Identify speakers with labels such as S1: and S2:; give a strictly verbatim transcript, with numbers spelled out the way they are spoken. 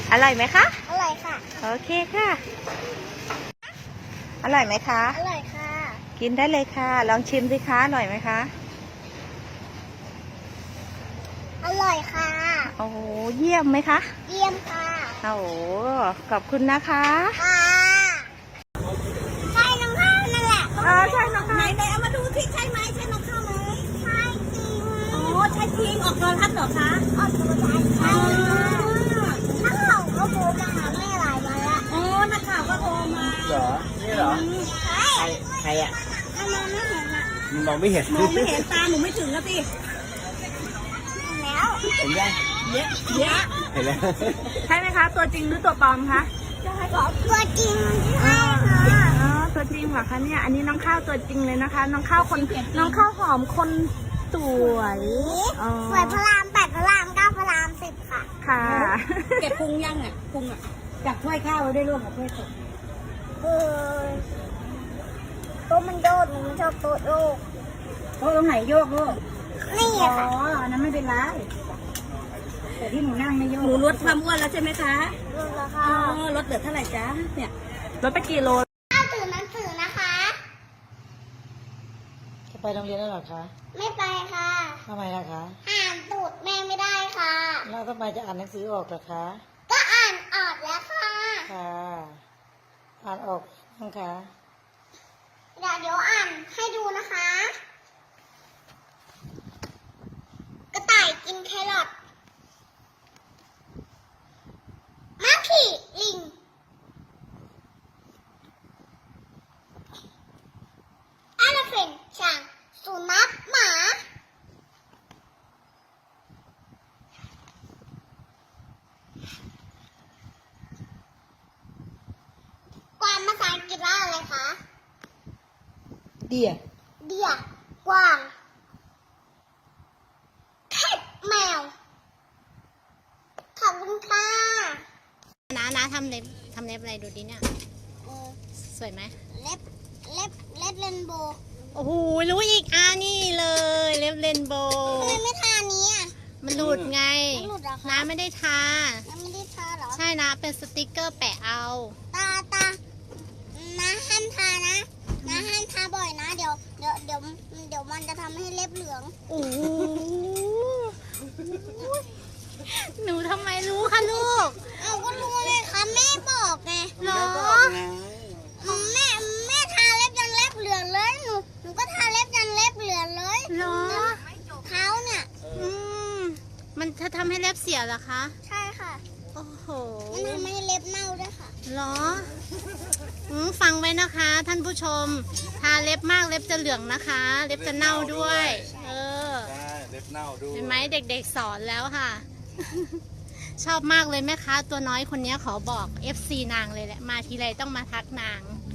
S1: อร่อยไหมคะ
S2: อร่อยค่ะ
S1: โอเคค่ะ อร่อยไหมคะ
S2: อร่อยค่ะ
S1: กินได้เลยค่ะ ลองชิมสิคะ อร่อยไหมคะ
S2: อร่อยค่ะ
S1: โอ้โหเยี่ยมไหมคะ
S2: เยี่ยมค่ะ
S1: โอ้โหขอบคุณนะคะ
S2: ค่ะใช่น้องข้าวนั่นแหละ
S1: เออใช่น้องข้าว
S2: ไหนไหนเอามาดูสิใช่ไหมใช่น้องข้าวไหมใช่จริงโอ้ใช่จริงออกโทรทัศน์เหรอคะออกโทรทัศน์ใช่นักข่าวก็โทรมาหาแม่หลายวันละโอ้นักข่าวก็โทรมา
S3: เหรอ นี่เหรอ
S2: ใช่
S3: ใคร ใครอ่ะ
S2: ทำไมไม่เห็นอ่ะ
S3: มันมองไม่เห็น
S2: มองไม่เห็นตาหนูไม่ถึงแล้วสิแล้ว
S3: เห็นยัง
S2: เยอะเยอะ
S3: เห็นแล้ว
S1: ใช่ไหมคะ ตัวจริงหรือตัวปลอมคะ
S2: ตัวจริงใช่ค่ะ
S1: อ๋อตัวจริงเหรอคะเนี่ย อันนี้น้องข้าวตัวจริงเลยนะคะ น้องข้าวคน น้องข้าวหอมคนสวยอ๋อ
S2: สวยพระรามแปดพระรามเก้าพระรามสิบค่ะ
S1: ค่ะ
S4: เก็บพุงยังอ่ะพุงอ่ะจับถ้วยข้าวไว้ได้ร่วมกับถ้วยสด
S2: เออโต๊ะมันโยกหนูไม่ชอบโต๊ะโยก
S4: โต๊ะตรงไหนโยกลูก
S2: นี่
S4: อ๋อ
S2: อะค่ะ
S4: อันนั้นไม่เป็นไรแต่ที่หนูนั่งไม่โยก
S1: หนูลดความอ้วนแล้วใช่ไหมคะ
S2: ดูแล้ว
S4: อ๋
S2: ค่ะ
S4: อลดเหลือเท่าไหร่จ๊ะเนี่ย
S1: ลดไปกี่โล
S2: ข้าวตื่นหนังสือนะคะ
S4: จะไปโรงเรียนแล้วหรอคะ
S2: ไม่ไปค่ะ
S4: ทำไมล่ะคะ
S2: อ่านตูดแม่ไม่ได้ค่ะ
S4: แล้วทำไมจะอ่านหนังสือออกล่ะคะ
S2: ก็อ่านออกแล้วค่ะ
S4: ค่ะ อ่านออกบ้างคะ
S2: เดี๋ยวเดี๋ยวอ่านให้ดูนะคะ กระต่ายกินแครอทม้าขี่ลิงอ l ล p เ a n t ช้างสุนัขหมา กวางภาษาอังกฤษว่าอะไรคะ
S4: เดีย
S2: เดียกวางแคทแมว ขอบคุณค่ะ
S5: น้าน้าทำเล็บทำเล็บอะไรดูดิเนี่ย
S2: เออ
S5: สวยไหม
S2: เล็บ เล็บ เล็บเรนโบว์
S5: โอ้โหรู้อีกอ่านี่เลยเล็บเรนโบ
S2: ทำ
S5: ว์
S2: ไมไม่ทานี้อ่ะ
S5: มันหลุดไง
S2: มันหลุดเหรอคะ
S5: น้าไม่ได้ทา
S2: ยังไม่ได้ทาเหรอ
S5: ใช่นะเป็นสติกเกอร์แปะเอา
S2: ตาตานะห้ามทานะนะห้ามทาบ่อยนะ เดี๋ยว เดี๋ยว เดี๋ยว เดี๋ยวมันจะทำให้เล็บเหลือง
S5: โอ้โหหนูทำไมรู้คะลูก
S2: เอาก็รู้ไงคะแม่บอกไง
S5: เหรอ
S2: แม่แม่ทาเล็บยันเล็บเหลืองเลยหนูหนูก็ทาเล็บยันเล็บเหลืองเลย
S5: เหรอ
S2: เขาเนี่ย
S5: อืมมันจะทำให้เล็บเสียเหรอคะ
S2: ใช่ค่ะ
S5: โอ้โห
S2: มันทำให้เล็บเน่าด้วยค่ะ
S5: เหรออืมฟังไว้นะคะ ท่านผู้ชม ทาเล็บมากเล็บจะเหลืองนะคะ เล็บจะเน่าด้วย เออ
S3: ใช่เล็บเน่าดู
S5: เห็นไหมเด็กๆสอนแล้วค่ะ ชอบมากเลยแม่ค้าตัวน้อยคนนี้ขอบอก เอฟ ซี นางเลยแหละ มาทีไรต้องมาทักนาง